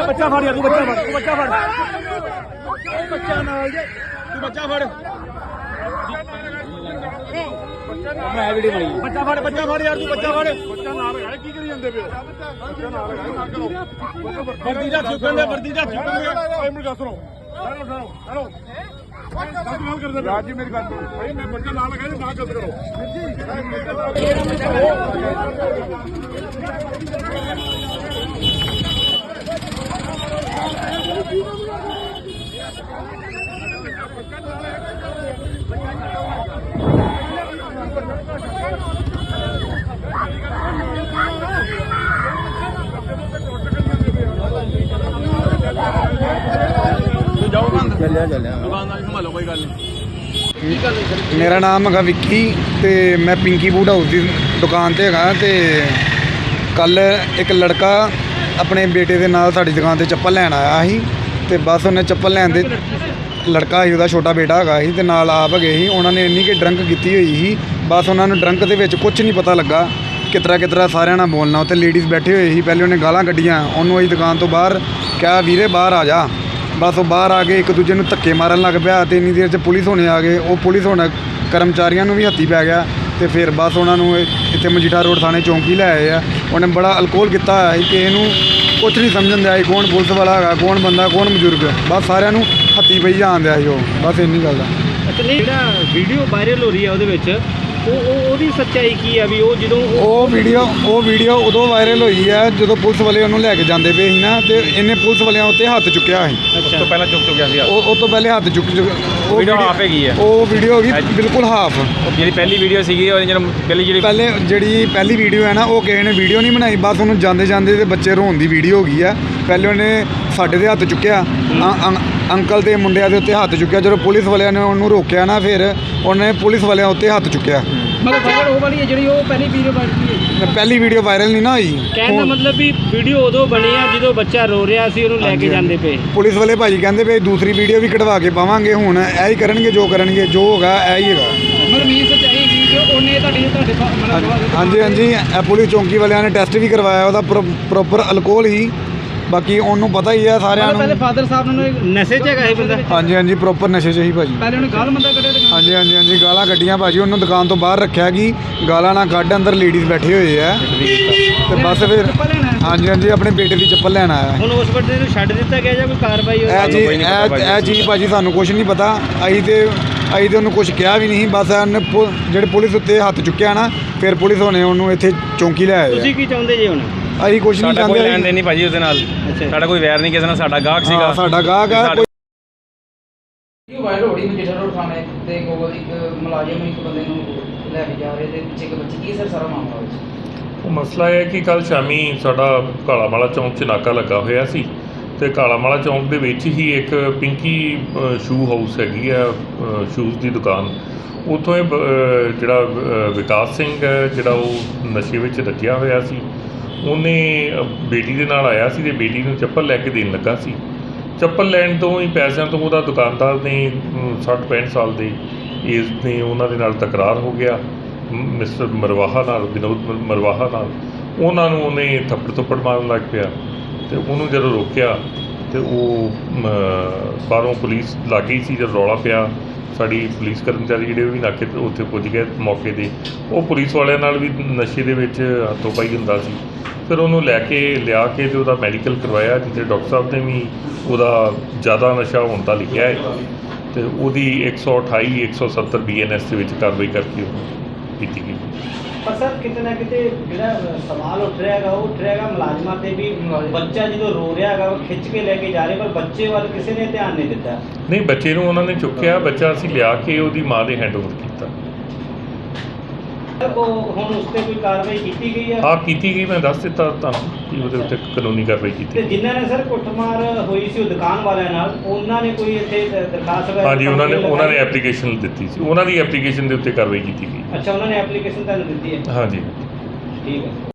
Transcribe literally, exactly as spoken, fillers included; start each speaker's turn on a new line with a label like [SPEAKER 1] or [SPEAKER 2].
[SPEAKER 1] ਬੱਚਾ ਫੜ ਯਾਰ ਤੂੰ ਬੱਚਾ ਫੜ ਤੂੰ ਬੱਚਾ ਫੜ ਬੱਚਾ ਨਾਲ ਜੇ ਤੂੰ ਬੱਚਾ ਫੜ ਮੈਂ ਵੀਡੀਓ ਬਣਾਈ ਬੱਚਾ ਫੜ ਬੱਚਾ ਫੜ ਯਾਰ ਤੂੰ ਬੱਚਾ ਫੜ ਬੱਚਾ ਨਾਲ ਹੈ ਕੀ ਕਰੀ ਜਾਂਦੇ ਪਏ ਬੱਚਾ ਨਾਲ ਹੈ ਨਾ ਕਰੋ ਵਰਦੀ ਦਾ ਚੁੱਕਣ ਦੇ ਵਰਦੀ ਦਾ ਚੁੱਕਣ ਦੇ ਓਏ ਮੈਨੂੰ ਦੱਸ ਰੋ ਚਲੋ ਚਲੋ ਚਲੋ ਰਾਜ ਜੀ ਮੇਰੀ ਗੱਲ ਸੁਣੋ ਭਾਈ ਮੈਂ ਬੱਚਾ ਨਾਲ ਲਗਾ ਨਾ ਗਲਤ ਕਰੋ ਚੱਲਿਆ ਚੱਲਿਆ ਦੁਕਾਨ ਦਾ ਸੰਭਾਲੋ ਕੋਈ ਗੱਲ ਨਹੀਂ।
[SPEAKER 2] ਮੇਰਾ ਨਾਮ ਹੈਗਾ ਵਿੱਕੀ ਤੇ ਮੈਂ ਪਿੰਕੀ ਬੂਟ ਹਾਊਸ ਦੀ ਦੁਕਾਨ ਤੇ ਹੈਗਾ ਤੇ ਕੱਲ ਇੱਕ ਲੜਕਾ ਆਪਣੇ ਬੇਟੇ ਦੇ ਨਾਲ ਸਾਡੀ ਦੁਕਾਨ ਤੇ ਚੱਪਲ ਲੈਣ ਆਇਆ ਸੀ ਤੇ ਬਸ ਉਹਨੇ ਚੱਪਲ ਲੈਣ ਦੇ ਲੜਕਾ ਸੀ ਉਹਦਾ ਛੋਟਾ ਬੇਟਾ ਹੈਗਾ ਸੀ ਤੇ ਨਾਲ ਆਪ ਹੈਗੇ ਸੀ। ਉਹਨਾਂ ਨੇ ਇੰਨੀ ਕਿ ਡਰੰਕ ਕੀਤੀ ਹੋਈ ਸੀ ਬਸ ਉਹਨਾਂ ਨੂੰ ਡਰੰਕ ਦੇ ਵਿੱਚ ਕੁਝ ਨਹੀਂ ਪਤਾ ਲੱਗਾ ਕਿਤਰਾ ਕਿਤਰਾ ਸਾਰਿਆਂ ਨਾਲ ਬੋਲਣਾ। ਉੱਥੇ ਲੇਡੀਜ਼ ਬੈਠੇ ਹੋਏ ਸੀ ਪਹਿਲੇ ਉਹਨੇ ਗਾਲਾਂ ਕੱਢੀਆਂ ਉਹਨੂੰ ਅਸੀਂ ਦੁਕਾਨ ਤੋਂ ਬਾਹਰ ਕਿਹਾ ਵੀਰੇ ਬਾਹਰ ਆ ਜਾ ਬਸ ਉਹ ਬਾਹਰ ਆ ਕੇ ਇੱਕ ਦੂਜੇ ਨੂੰ ਧੱਕੇ ਮਾਰਨ ਲੱਗ ਪਿਆ ਤੇ ਇੰਨੀ ਦੇਰ 'ਚ ਪੁਲਿਸ ਹੋਣੇ ਆ ਗਏ। ਉਹ ਪੁਲਿਸ ਹੁਣ ਕਰਮਚਾਰੀਆਂ ਨੂੰ ਵੀ ਹੱਥੀ ਪੈ ਗਿਆ ਤੇ ਫਿਰ ਬਸ ਉਹਨਾਂ ਨੂੰ ਇੱਥੇ ਮਜੀਠਾ ਰੋਡ ਥਾਣੇ ਚੌਂਕੀ ਲੈ ਆਏ ਆ। ਉਹਨੇ ਬੜਾ ਅਲਕੋਹਲ ਕੀਤਾ ਹੋਇਆ ਸੀ ਕਿ ਇਹਨੂੰ ਕੁਛ ਨਹੀਂ ਸਮਝਣ ਦਿਆ ਸੀ ਕੌਣ ਪੁਲਿਸ ਵਾਲਾ ਹੈਗਾ ਕੌਣ ਬੰਦਾ ਕੌਣ ਬਜ਼ੁਰਗ ਬਸ ਸਾਰਿਆਂ ਨੂੰ ਹੱਥੀ ਪਈ ਜਾਣ ਦਿਆ ਸੀ ਉਹ ਬਸ ਇੰਨੀ ਗੱਲ ਦਾ।
[SPEAKER 1] ਅੱਛਾ ਨਹੀਂ ਜਿਹੜਾ ਵੀਡੀਓ ਵਾਇਰਲ ਹੋ ਰਹੀ ਹੈ ਉਹਦੇ ਵਿੱਚ ਉਹ ਉਹਦੀ ਸੱਚਾਈ ਕੀ ਆ ਵੀ ਉਹ ਜਦੋਂ
[SPEAKER 2] ਉਹ ਵੀਡੀਓ ਉਹ ਵੀਡੀਓ ਉਦੋਂ ਵਾਇਰਲ ਹੋਈ ਹੈ ਜਦੋਂ ਪੁਲਿਸ ਵਾਲੇ ਉਹਨੂੰ ਲੈ ਕੇ ਜਾਂਦੇ ਪਏ ਸੀ ਨਾ ਤੇ ਇਹਨੇ ਪੁਲਿਸ ਵਾਲਿਆਂ ਉੱਤੇ ਹੱਥ ਚੁੱਕਿਆ ਸੀ।
[SPEAKER 1] ਉਸ ਤੋਂ ਪਹਿਲਾਂ ਚੁੱਕ ਚੁੱਕਿਆ ਸੀ
[SPEAKER 2] ਉਹ ਉਹ ਤੋਂ ਪਹਿਲੇ ਹੱਥ ਚੁੱਕ
[SPEAKER 1] ਉਹ ਵੀਡੀਓ ਹਾਫ ਹੈਗੀ ਹੈ
[SPEAKER 2] ਉਹ ਵੀਡੀਓ ਹੋ ਗਈ ਬਿਲਕੁਲ ਹਾਫ।
[SPEAKER 1] ਜਿਹੜੀ ਪਹਿਲੀ ਵੀਡੀਓ ਸੀਗੀ ਉਹ ਜਦੋਂ ਪਹਿਲੀ ਜਿਹੜੀ
[SPEAKER 2] ਪਹਿਲੇ ਜਿਹੜੀ ਪਹਿਲੀ ਵੀਡੀਓ ਹੈ ਨਾ ਉਹ ਕਿਸੇ ਨੇ ਵੀਡੀਓ ਨਹੀਂ ਬਣਾਈ ਬਸ ਉਹਨੂੰ ਜਾਂਦੇ ਜਾਂਦੇ ਤੇ ਬੱਚੇ ਰੋਣ ਦੀ ਵੀਡੀਓ ਹੋ ਗਈ ਆ। ਪਹਿਲੇ ਉਹਨੇ ਸਾਡੇ ਦੇ ਹੱਥ ਚੁੱਕਿਆ ਅੰਕਲ ਦੇ ਮੁੰਡਿਆਂ ਦੇ ਉੱਤੇ ਹੱਥ ਚੁੱਕਿਆ ਜਦੋਂ ਪੁਲਿਸ ਵਾਲਿਆਂ ਨੇ ਉਹਨੂੰ ਰੋਕਿਆ ਨਾ ਫਿਰ ਉਹਨੇ ਪੁਲਿਸ ਵਾਲਿਆਂ ਉੱਤੇ ਹੱਥ ਚੁੱਕਿਆ।
[SPEAKER 1] ਮਤਲਬ ਵਾਇਰਲ ਉਹ ਵਾਲੀ ਹੈ ਜਿਹੜੀ ਉਹ ਪਹਿਲੀ ਵੀਡੀਓ ਬਣੀ ਹੈ
[SPEAKER 2] ਪਹਿਲੀ ਵੀਡੀਓ ਵਾਇਰਲ ਨਹੀਂ ਨਾ ਹੋਈ।
[SPEAKER 1] ਕਹਿਣ ਦਾ ਮਤਲਬ ਵੀ ਵੀਡੀਓ ਉਦੋਂ ਬਣੀ ਆ ਜਦੋਂ ਬੱਚਾ ਰੋ ਰਿਹਾ ਸੀ ਉਹਨੂੰ ਲੈ ਕੇ ਜਾਂਦੇ ਪਏ।
[SPEAKER 2] ਪੁਲਿਸ ਵਾਲੇ ਭਾਜੀ ਕਹਿੰਦੇ ਪਏ ਦੂਸਰੀ ਵੀਡੀਓ ਵੀ ਕਢਵਾ ਕੇ ਪਾਵਾਂਗੇ ਹੁਣ ਇਹ ਹੀ ਕਰਨਗੇ ਜੋ ਕਰਨਗੇ ਜੋ ਹੋਗਾ ਇਹ ਹੀ ਹੈਗਾ।
[SPEAKER 1] ਮਤਲਬ ਮੀਨ ਸੱਚਾਈ ਕੀ ਕਿ ਉਹਨੇ ਤੁਹਾਡੀ ਤੁਹਾਡੇ
[SPEAKER 2] ਹਾਂਜੀ ਹਾਂਜੀ ਇਹ ਪੁਲਿਸ ਚੌਂਕੀ ਵਾਲਿਆਂ ਨੇ ਟੈਸਟ ਵੀ ਕਰਵਾਇਆ ਉਹਦਾ ਪ੍ਰੋਪਰ ਅਲਕੋਹਲ ਹੀ ਬਾਕੀ ਉਹਨੂੰ ਪਤਾ ਹੀ ਆ ਸਾਰਿਆਂ ਨੂੰ।
[SPEAKER 1] ਪਹਿਲੇ ਫਾਦਰ ਸਾਹਿਬ ਨੂੰ ਨਸ਼ੇ 'ਚ ਹੈਗਾ ਇਹ ਬੰਦਾ।
[SPEAKER 2] ਹਾਂਜੀ ਹਾਂਜੀ ਪ੍ਰੋਪਰ ਨਸ਼ੇ 'ਚ ਹੀ ਭਾਜੀ।
[SPEAKER 1] ਪਹਿਲੇ ਉਹਨੇ ਗਾਲ ਮੰਦਾ ਕੱਢਿਆ ਦੁਕਾਨ।
[SPEAKER 2] ਹਾਂਜੀ ਹਾਂਜੀ ਹਾਂਜੀ ਗਾਲਾਂ ਕੱਢੀਆਂ ਭਾਜੀ ਉਹਨੂੰ ਦੁਕਾਨ ਤੋਂ ਬਾਹਰ ਰੱਖਿਆ ਕਿ ਗਾਲਾਂ ਨਾ ਕੱਢ ਅੰਦਰ ਲੇਡੀਜ਼ ਬੈਠੇ ਹੋਏ ਆ ਤੇ ਬਸ ਫਿਰ ਹਾਂਜੀ ਹਾਂਜੀ ਆਪਣੇ ਬੇਟੇ ਦੀ ਚੱਪਲ ਲੈਣ ਆਇਆ।
[SPEAKER 1] ਹੁਣ ਉਸ ਬੰਦੇ ਨੂੰ ਛੱਡ ਦਿੱਤਾ ਗਿਆ ਜਾਂ ਕੋਈ ਕਾਰਵਾਈ ਹੋਈ?
[SPEAKER 2] ਇਹ ਜੀ ਇਹ ਚੀਜ਼ ਭਾਜੀ ਸਾਨੂੰ ਕੁਝ ਨਹੀਂ ਪਤਾ। ਅਸੀਂ ਤੇ ਅਸੀਂ ਤੇ ਉਹਨੂੰ ਕੁਝ ਕਿਹਾ ਵੀ ਨਹੀਂ ਬਸ ਉਹਨੇ ਜਿਹੜੇ ਪੁਲਿਸ ਉੱਤੇ ਹੱਥ ਚੁੱਕਿਆ ਨਾ ਫਿਰ ਪੁਲਿਸ ਹੋਣੇ ਉਹਨੂੰ ਇੱਥੇ ਚੌਂਕੀ ਲੈ ਆਏ।
[SPEAKER 1] ਤੁਸੀਂ ਕੀ ਚਾਹੁੰਦੇ ਜੀ ਹੁਣ?
[SPEAKER 2] ਅਸੀਂ ਕੁਝ ਨਹੀਂ ਚਾਹੁੰਦੇ।
[SPEAKER 1] ਕੋਈ ਲੈਣ ਦੇਣ ਨਹੀਂ ਭਾਜੀ ਉਹਦੇ ਨਾਲ। ਸਾਡਾ ਕੋਈ ਵੈਰ ਨਹੀਂ ਕਿਸੇ ਨਾਲ ਸਾਡਾ ਗਾਹਕ ਸੀਗਾ
[SPEAKER 2] ਸਾਡਾ ਗਾਹਕ ਆ।
[SPEAKER 3] ਵਾਇਰਲ ਹੋ ਰਹੀ ਮਜੀਠਾ ਰੋਡ ਥਾਣੇ ਤੇ ਕੋਲ ਇੱਕ ਮੁਲਾਜ਼ਮ ਇੱਕ ਬੰਦੇ ਨੂੰ ਲੈ ਕੇ ਜਾ ਰਹੇ ਤੇ ਪਿੱਛੇ ਇੱਕ ਬੱਚੀ ਕੀ ਸਰ ਸਾਰਾ ਮਾਮਲਾ ਵਿੱਚ?
[SPEAKER 4] ਉਹ ਮਸਲਾ ਇਹ ਹੈ ਕਿ ਕੱਲ ਸ਼ਾਮੀ ਸਾਡਾ ਕਾਲਾਮਾਲਾ ਚੌਂਕ 'ਚ ਨਾਕਾ ਲੱਗਾ ਹੋਇਆ ਸੀ ਤੇ ਕਾਲਾਮਾਲਾ ਚੌਂਕ ਦੇ ਵਿੱਚ ਹੀ ਇੱਕ ਪਿੰਕੀ ਸ਼ੂ ਹਾਊਸ ਹੈਗੀ ਆ ਸ਼ੂਜ਼ ਦੀ ਦੁਕਾਨ। ਉੱਥੋਂ ਇਹ ਜਿਹੜਾ ਵਿਕਾਸ ਸਿੰਘ ਹੈ ਜਿਹੜਾ ਉਹ ਨਸ਼ੇ ਵਿੱਚ ਰੱਜਿਆ ਹੋਇਆ ਸੀ ਉਹਨੇ ਬੇਟੀ ਦੇ ਨਾਲ ਆਇਆ ਸੀ ਤੇ ਬੇਟੀ ਨੂੰ ਚੱਪਲ ਲੈ ਕੇ ਦੇਣ ਲੱਗਾ ਸੀ। ਚੱਪਲ ਲੈਣ ਤੋਂ ਹੀ ਪੈਸਿਆਂ ਤੋਂ ਉਹਦਾ ਦੁਕਾਨਦਾਰ ਨੇ ਸੱਠ ਪੈਂਹਠ ਸਾਲ ਦੇ ਏਜ ਨੇ ਉਹਨਾਂ ਦੇ ਨਾਲ ਤਕਰਾਰ ਹੋ ਗਿਆ ਮਿਸਟਰ ਮਰਵਾਹਾ ਨਾਲ ਵਿਨੋਦ ਮਰਵਾਹਾ ਨਾਲ। ਉਹਨਾਂ ਨੂੰ ਉਹਨੇ ਥੱਪੜ ਥੱਪੜ ਮਾਰਨ ਲੱਗ ਪਿਆ ਤੇ ਉਹਨੂੰ ਜਦੋਂ ਰੋਕਿਆ ਤੇ ਉਹ ਬਾਹਰੋਂ ਪੁਲਿਸ ਲੱਗ ਗਈ ਸੀ। ਜਦੋਂ ਰੌਲਾ ਪਿਆ ਸਾਡੀ ਪੁਲਿਸ ਕਰਮਚਾਰੀ ਜਿਹੜੇ ਵੀ ਨਾਕੇ ਉੱਥੇ ਪੁੱਜ ਗਏ ਮੌਕੇ 'ਤੇ। ਉਹ ਪੁਲਿਸ ਵਾਲਿਆਂ ਨਾਲ ਵੀ ਨਸ਼ੇ ਦੇ ਵਿੱਚ ਹੱਥੋਂ ਪਾਈ ਹੁੰਦਾ ਸੀ। ਫਿਰ ਉਹਨੂੰ ਲੈ ਕੇ ਲਿਆ ਕੇ ਤੇ ਉਹਦਾ ਮੈਡੀਕਲ ਕਰਵਾਇਆ ਜਿੱਥੇ ਡਾਕਟਰ ਸਾਹਿਬ ਨੇ ਵੀ ਉਹਦਾ ਜ਼ਿਆਦਾ ਨਸ਼ਾ ਹੋਣ ਦਾ ਲਿਖਿਆ ਹੈ ਤੇ ਉਹਦੀ ਇੱਕ ਸੌ ਅਠਾਈ ਇੱਕ ਸੌ ਸੱਤਰ ਬੀ ਐਨ ਐਸ ਦੇ ਵਿੱਚ ਕਾਰਵਾਈ ਕਰਕੇ ਉਹ ਕੀਤੀ ਗਈ।
[SPEAKER 5] ਪਰ ਸਰ ਕਿਤੇ ਨਾ ਕਿਤੇ ਜਿਹੜਾ ਸਵਾਲ ਉੱਠ ਰਿਹਾ ਹੈਗਾ ਉਹ ਉੱਠ ਰਿਹਾ ਹੈਗਾ ਮੁਲਾਜ਼ਮਾਂ 'ਤੇ ਵੀ ਬੱਚਾ ਜਦੋਂ ਰੋ ਰਿਹਾ ਹੈਗਾ ਉਹ ਖਿੱਚ ਕੇ ਲੈ ਕੇ ਜਾ ਰਹੇ ਪਰ ਬੱਚੇ ਵੱਲ ਕਿਸੇ ਨੇ ਧਿਆਨ ਨਹੀਂ ਦਿੱਤਾ।
[SPEAKER 4] ਨਹੀਂ ਬੱਚੇ ਨੂੰ ਉਹਨਾਂ ਨੇ ਚੁੱਕਿਆ ਬੱਚਾ ਅਸੀਂ ਲਿਆ ਕੇ ਉਹਦੀ ਮਾਂ ਦੇ ਹੈਂਡਓਵਰ ਕੀਤਾ।
[SPEAKER 5] ਉਹ ਹੁਣ ਉਸ 'ਤੇ ਕੋਈ ਕਾਰਵਾਈ ਕੀਤੀ ਗਈ ਹੈ?
[SPEAKER 4] ਹਾਂ ਕੀਤੀ ਗਈ ਮੈਂ ਦੱਸ ਦਿੱਤਾ ਤੁਹਾਨੂੰ ਕਿ ਉਹਦੇ ਉੱਤੇ ਕਾਨੂੰਨੀ ਕਾਰਵਾਈ ਕੀਤੀ।
[SPEAKER 5] ਤੇ ਜਿਨ੍ਹਾਂ ਨੇ ਸਰ ਕੁੱਟਮਾਰ ਹੋਈ ਸੀ ਉਹ ਦੁਕਾਨ ਵਾਲਿਆਂ ਨਾਲ ਉਹਨਾਂ ਨੇ ਕੋਈ ਇੱਥੇ ਦਰਖਾਸਤ?
[SPEAKER 4] ਹਾਂਜੀ ਉਹਨਾਂ ਨੇ ਉਹਨਾਂ ਨੇ ਐਪਲੀਕੇਸ਼ਨ ਦਿੱਤੀ ਸੀ ਉਹਨਾਂ ਦੀ ਐਪਲੀਕੇਸ਼ਨ ਦੇ ਉੱਤੇ ਕਾਰਵਾਈ ਕੀਤੀ ਗਈ।
[SPEAKER 5] ਅੱਛਾ ਉਹਨਾਂ ਨੇ ਐਪਲੀਕੇਸ਼ਨ ਤੁਹਾਨੂੰ ਦਿੱਤੀ ਹੈ?
[SPEAKER 4] ਹਾਂਜੀ
[SPEAKER 5] ਠੀਕ ਹੈ।